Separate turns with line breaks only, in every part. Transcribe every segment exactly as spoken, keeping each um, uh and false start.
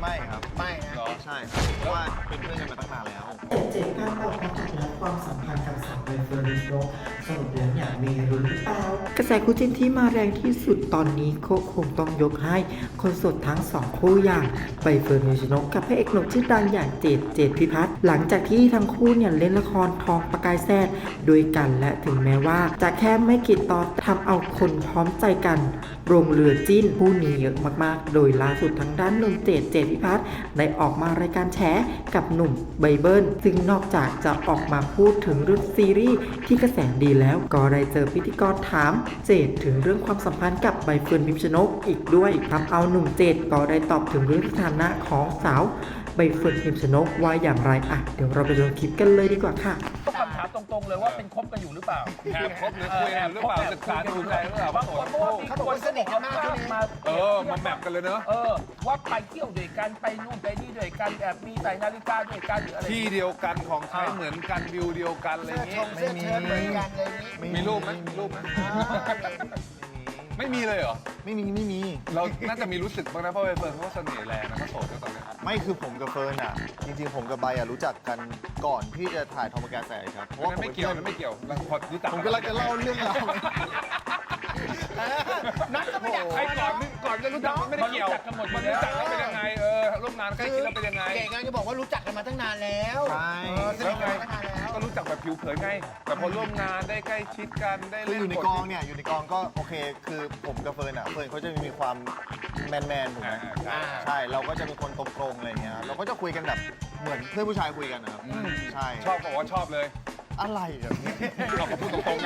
ไม่ครับ
ไม่นะ
ใช่ครับเพราะว่าเป็นเพื่อนกันมาตั้งนานแล้ว
เจ็ดเจ็ดการออกมาจากแล้วความสัมพันธ์กับสาวใบเฟิร์นพิมชนกสรุปแล้วอย่างมีรุ้นหรือเปล่ากระแสคู่จิ้นที่มาแรงที่สุดตอนนี้ก็คงต้องยกให้คนโสดทั้งสองคู่อย่างใบเฟิร์นพิมชนกกับพระเอกหนุ่มชื่อดังอย่างเจดเจดพิพัฒน์หลังจากที่ทั้งคู่เนี่ยเล่นละครทองประกายแซ่ด้วยกันและถึงแม้ว่าจะแค่ไม่กี่ตอนทำเอาคนพร้อมใจกันลงเรือจิ้นคู่นี้เยอะมากๆโดยล่าสุดทางด้านหนุ่มเจดเจดพิพัฒน์ได้ออกมารายการแฉกับหนุ่มใบเบิลซึ่งนอกจากจะออกมาพูดถึงเรื่องซีรีส์ที่กระแสดีแล้วก็ได้เจอพิธีกรถามเจดถึงเรื่องความสัมพันธ์กับใบเฟิร์นพิมชนกอีกด้วยทำเอาหนุ่มเจดก็ได้ตอบถึงเรื่องสถานะของสาวใบเฟิร์นพิมชนกว่าอย่างไรอ่ะเดี๋ยวเราไปดูคลิปกันเลยดีกว่าค่ะ
คำถามตรงๆเลยว่าเป็นคบกันอยู่หรือเปล่า
แอบคบหรือคุยกันหรือเปล่าศึกษาดูใจหรือเปล่า
บางคนบอกว่ามีคนสนิทกันมากมา
เออมาแมปกันเลยเนอะ
เออว่าไปเที่ยวด้วยกันไปนู่นไปนี่ด้วยกันแอบมีใส่นาฬิกาด้วยกันหรืออะไร
ที่เดียวกันของใช้เหมือนกันวิวเดียวกันอะไรอย่างงี้
เสื้อเชิ้ตเหมือนกันเลยนี่
มีรูปไหมมีรูปไหมไม่มีเลยเหรอ
ไม่มีไม่มี
เราน่าจะมีรู้สึกบ้างนะเพราะใบเฟิร์นเขาเสน่ห์แรงนะเขาโสดกันตอนนี้
ไม่คือผมกับเฟิร์นอ่ะจริงๆผมกับใบอ่ะรู้จักกันก่อนที่จะถ่ายทอมแกแสครับเพราะว่าผม
ไม่เกี่ยวไม่เกี่ยวเราพอรู้จัก
ผมกำลังจะเล่าเรื่องราว
นัดก็ไม่อยาก
ไอ้ก่อนก่อนจะรู้จักมันไม่ได้เกี่ยว
กันหมด
มันรู้จักแล้วเป็นยังไงเออร่วมงานใกล้ชิดแล้วเป็นยังไง
เก่งงานจะบอกว่ารู้จักกันมาตั้งนานแล้ว
ใช่
สนิทกันมาตั้งนานแล้ว
ก็รู้จักแบบผิวเผินไงแต่พอร่วมงานได้ใกล้ชิดกันได้
คือ
เล่น
อยู่ในกองเนี่ยอยู่ในกองก็โอเคคือผมกับเฟิร์นอ่ะเฟิร์นเขาจะมีความแมนแมนๆถูกไหม
อ่า
ใช่เราก็จะเป็นคนตรงๆอะไรเงี้ยเราก็จะคุยกันแบบเหมือนเพื่อนผู้ชายคุยกันนะครับใช่
ชอบบอกว่าชอบเลย
อะไรอ่ะ
เราก็พูดตรงๆกัน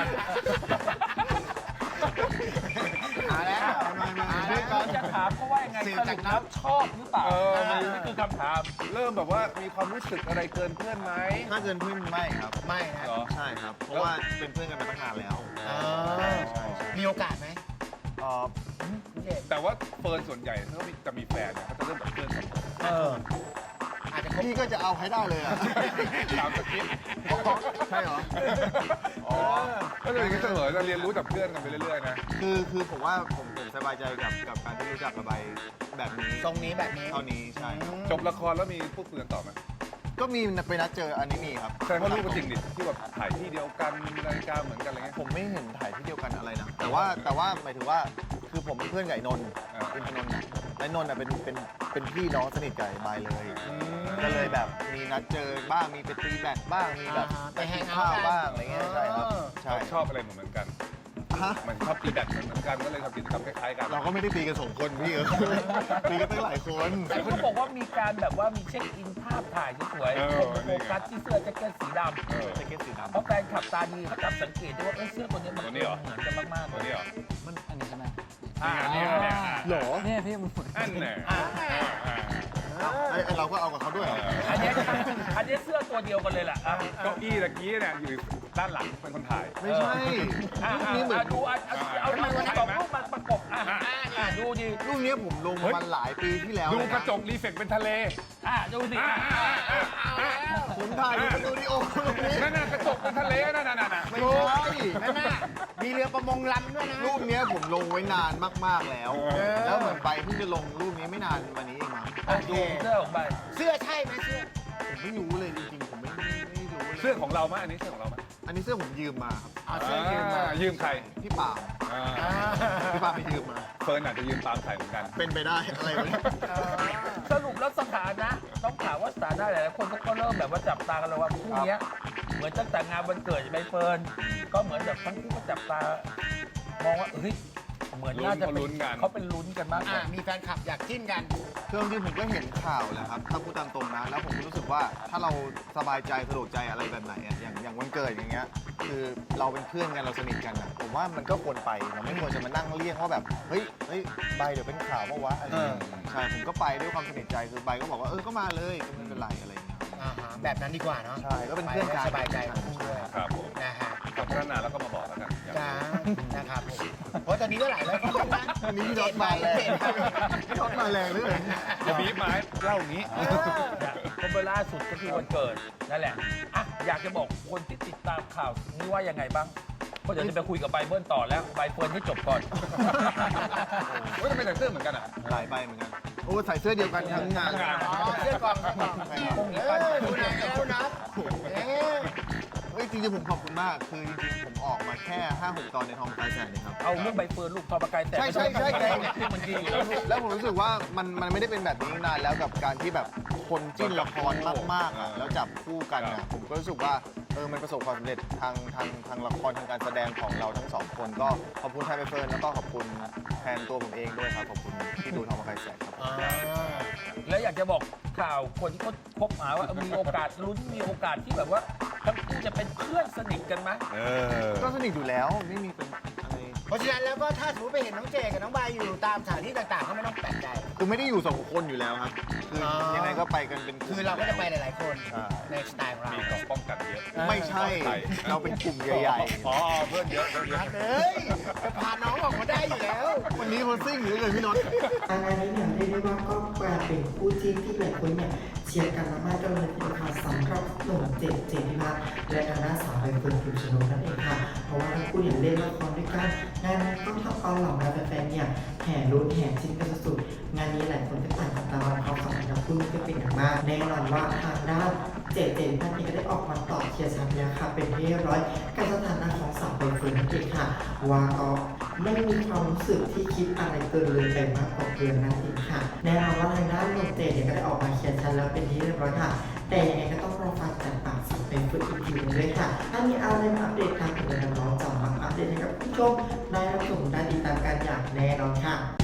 มาแล้ว
มามา
มา
ด้
แล้ว วย
กัน
จะถามเขาว่ายังไงสรุปแล้วชอบหรือเปล่านี่คือคำถาม
เริ่มแบบว่ามีความรู้สึกอะไรเกินเพื่อนไหม
ถ้าเกินเพื่อนไม่ครับ
ไม่นะ
เหรอ
ใช่ครับ เพราะว่าเป็นเพื่อนกันมาตั้งนานแล้ว
เออมีโอกาสไหม
เอ่อ
แต่ว่าเฟิร์นส่วนใหญ่ถ้าจะมีแฟนเนี่ยเขาจะเริ่มแบบเพื่อนกัน
เอออาจจะคบ
พี่ก็จะเอาให้ได้เลยอ่ะ
ตามสคริปต์
ใช่เหรอ
อ๋อก็เลยอย่างนี้เสมอจะเรียนรู้จากเพื่อนกันไปเรื่อยๆนะ
คือคือผมว่าผมผมสบายใจกับกับการที่รู้จักระบายแบบนี้
ทรงนี้แบบนี้
เท่านี้ใช่ครับ
จบละครแล้วมีพูดคุยกันต่อไหม
ก็มีไปนัดเจออันนี้มีครับ
ใช่เพราะรู้กันจริงดิที่แบบถ่ายที่เดียวกันนาฬิกาเหมือนกันอะไรเงี้ย
ผมไม่เห็นถ่ายที่เดียวกันอะไรนะ แต่ว่าแต่ว่าหมายถึงว่าคือผมเป็นเพื่อนกับไอ้นนท์
อ่า
เป็นพนนท์และนนท์อ่ะเป็นเป็นเป็นพี่น้องสนิทกับไอ้บายเลย ก็เลยแบบมีนัดเจอบ้างมีไปตีแบดบ้างมีแบบ
อ่าฮะไปแฮง
กิน
เอาท์
ข้าว
กัน
บ้างอะไรเงี้ยใช่ครับ
เออ
ใช่
ชอบอะไรเหมือนกัน
ฮะ
มันชอบตีแบดเหมือนกันก็เลยทำกิจกรรมคล้ายๆกัน
เราก็ไม่ได้ตีกันสองคนพี่เออ ตีกันตั้งหลายคน
แต่เขาบอกว่ามีการแบบว่ามีเช็คอินภาพถ่ายสวยๆเป็นโฟกัสที่เสื้อแจ็คเก็ตสีดำ
เออ
แจ็คเก็ตสีดำ
เพราะแฟนขับตาดีเขาจับสังเกตได้ว่าเอ้ยเสื้อตัวนี้มันเหมือนกันมากๆ
ตัวนี้เหรอ
มันอันนี้ใช่ไหม
อ่า
นี่ไงเนี่ย
หรอ
เนี่ยพี่มัน
อันเนี่ย
ไอ้ไอ้เราก็เอากับเขาด้วยเหรอ
อันนี้อันนี้เสื้อตัวเดียวกันเลยแหละอ่ะ
เก้าอี้ตะกี้เนี่ยอยู่ด้านหลังเป็นคนถ่าย
ไม่ใช่
อ่ะ
รูปนี้เหมือน
ดูอ่ะเอาเอาเอาสองรูปมาประกบอ่ะอ่ะดูดิ
รูปนี้ผมลงมันหลายปีที่แล้ว
ดู
เลยน
กระจกรีเฟกเป็นทะเล
อ่ะดูสิอ่ะ
ผมถ่ายในสตูดิโอตรงนี้
นั่นน่ะกระจกเป็นทะเลนั่นน่ะน่ะ
ไม่ใช่
นั่นน่ะมีเรือประมงลำด้วยนะ
รูปเนี้ยผมลงไว้นานมากๆแล้ว แล้วเหมือนไปเพิ่งจะลงรูปนี้ไม่นานมานี้เองมั้ง
โอเค
ดูเสื้อของใบ
เสื้อใช่ไหมเสื้อ
ผมไม่รู้เลยจริงๆ ผมไม่ไม่รู้เลย
เสื้อของเราไหมอันนี้เสื้อของเราไหม
อันนี้เสื้อผมยืมมาครับ
เอาเสื้อยืมมา
ยืมใคร
พี่ปาล์ม
อ่า
พี่ปาล์มไปยืมมา
เฟิร์นอาจจะยืมตามใส่เหมือนกัน
เป็นไปได้อะไรวะเนี่ย
สรุปแล้วสถานะต้องถามว่าสถานะหลายๆคนก็เริ่มแบบว่าจับตากันแล้วว่าคู่เนี้ยเหมือนตั้งแต่งานวันเกิดใบเฟิร์นก็เหมือนแบบทั้งคู่ก็จับตามองว่าเฮ้ยเหมือนน่าจะเป็นเขาเป็นลุ้นกันมากก
อ่า
ว่า
มีแฟนคลับอยากจิ้นกัน
คือจริงๆผมก็เห็นข่าวแหละครับ ถ้าพูดตามตรงนะ แล้วผมก็รู้สึกว่าถ้าเราสบายใจสะดวกใจอะไรแบบไหนอะอย่างอย่างวันเกิดอย่างเงี้ย คือเราเป็นเพื่อนกันเราสนิทกันอะผมว่ามันก็ควรไปเราไม่ควรจะมานั่งเลี่ยงว่าแบบ เฮ้ย เฮ้ยใบเดี๋ยวเป็นข่าวเพราะวะอะไรอย่างเงี้ยใช่ ผมก็ไปด้วยความสนิทใจ คือใบก็บอกว่าเออ ก็มาเลยก็ไม่เป็นไรอะไรอย่างเงี้ย
อ่าฮะแบบนั้นดีกว่าเนาะ
ใช่ ก็เป็นเพื่อนกัน
สบายใจของคู่ด้วย
ครับผม
นะฮะ
กับพัฒนาแล้วก็มาบอกแล้วกัน
จ้านะครับผมเพราะตอนนี้ก็หลายแล้วก็นะ
อันนี้พี่น็อตมาแรงพี่น็อตมาแรงเลย
จะบีบไม้เล่าอย่างนี้
ก็เวลาสุดก็คือวันเกิดนั่นแหละอ่ะอยากจะบอกคนที่ติดตามข่าวนี้ว่ายังไงบ้างเพราะเดี๋ยวจะไปคุยกับไบเบิลต่อแล้วใบเฟิร์นให้จบก่อน
เฮ้ยทำไมแต่งเสื้อเหมือนกันอ่ะ
หลายใบเหมือนกันโอ้ใส่เสื้อเดียวกันทั้งงาน
อ๋อเสื้อกองเสื้อกองเออดูหนังแล้วนะเอ๊ะ
เฮ้ยจริงๆผมขอบคุณมาก คือจริงๆผมออกมาแค่ ห้าหก ตอนในทองคายแสนเองครับ
เอาเรื่องใบเฟิร์นลูกทอประกายแต่
ใช่ใช่ใช่
แดงเนี่ยมันดีอยู่แล้วลูก
แล้วผมรู้สึกว่ามันมันไม่ได้เป็นแบบนี้นานแล้วกับการที่แบบคนจิ้นละครมากๆอะแล้วจับคู่กันอะผมก็รู้สึกว่าเออมันประสบความสำเร็จทางทางทางละครทางการแสดงของเราทั้งสองคนก็ขอบคุณไทยใบเฟิร์นแล้วก็ขอบคุณแทนตัวผมเองด้วยครับขอบคุณที่ดูทองคายแสนครับ
อ๋อ
แล้วอยากจะบอกข่าวคนที่เขาคบหาว่าเออมีโอกาสลุ้นมีโอกาสที่แบบว่าทั้งคู่จะเป็นเพื่อนสนิทกันไหม
เออ
ก็สนิทอยู่แล้วไม่มีเป็นอะไร
เพราะฉะนั้นแล้วก็ถ้าสมมติไปเห็นน้องเจกับน้องบายอยู่ตามสถานที่ต่างๆก็ไม่ต้องแปลกใจ
คือไม่ได้อยู่สองคนอยู่แล้วครับ คืออ
อ
ยังไงก็ไปกันเป็นกลุ่ม
คือเราก็จะไปหลายๆคน
ใช่
ในสไตล์ของเรา
มีกล่องป้องกันเยอะ
ไม่ใช่ เราเป็นกลุ่มใหญ่
อ๋อเพื่อนเยอะเพื่อนเยอะ
เฮ้ยจะพาน้องออกมาได้อยู่แล้ว
ๆ วันนี้คนซิ่งเหรือเลยพี่น็อต
อันนี้เนี่ยเรียกได้ว่าก็กลายเป็นคู่จิ้นที่หลายคนเนี่ยเชียร์กันมากๆกันเลยทีเดียวค่ะสำหรับหนุ่มเจดเจดพิพัฒน์และทางด้านสาวใบเฟิร์นพิมชนกนั่นเองค่ะเพราะว่าทั้งคู่เนี่ยเล่นละครด้วยกันงานนี้ก็ทำเอาเหล่าบรรดาแฟนๆเนี่ยแห่ลุ้นแห่จิ้นกันสุดๆงานนี้หลายคนก็ต่างจับตามองความสัมพันธ์ของคู่นี้ก็เป็นอย่างมากแน่นอนว่าทางด้านเจดเจดพิพัฒน์เองก็ได้ออกมาตอบเคลียร์ชัดแล้วค่ะเป็นที่เรียบร้อยกับสถานะของสาวใบเฟิร์นนั่นเองค่ะว่าก็ไม่มีความรู้สึกที่คิดอะไรเกินเลยไปมากกว่าเกินนั่นเองค่ะแน่นอนว่าทางด้านหนุ่มเจดเนี่ยก็ได้ออกมาเคลียร์ชัดแล้วเป็นที่เรียบร้อยค่ะแต่ยังไงก็ต้องรอฟังจากปากสาวใบเฟิร์นอีกทีหนึงด้วยค่ะถ้ามีอะไรมาอัปเดตทางเพจน้องๆจะมาอัปเดตให้กับผู้ชมได้รับชมได้ติดตามกันอย่างแน่นอนค่ะ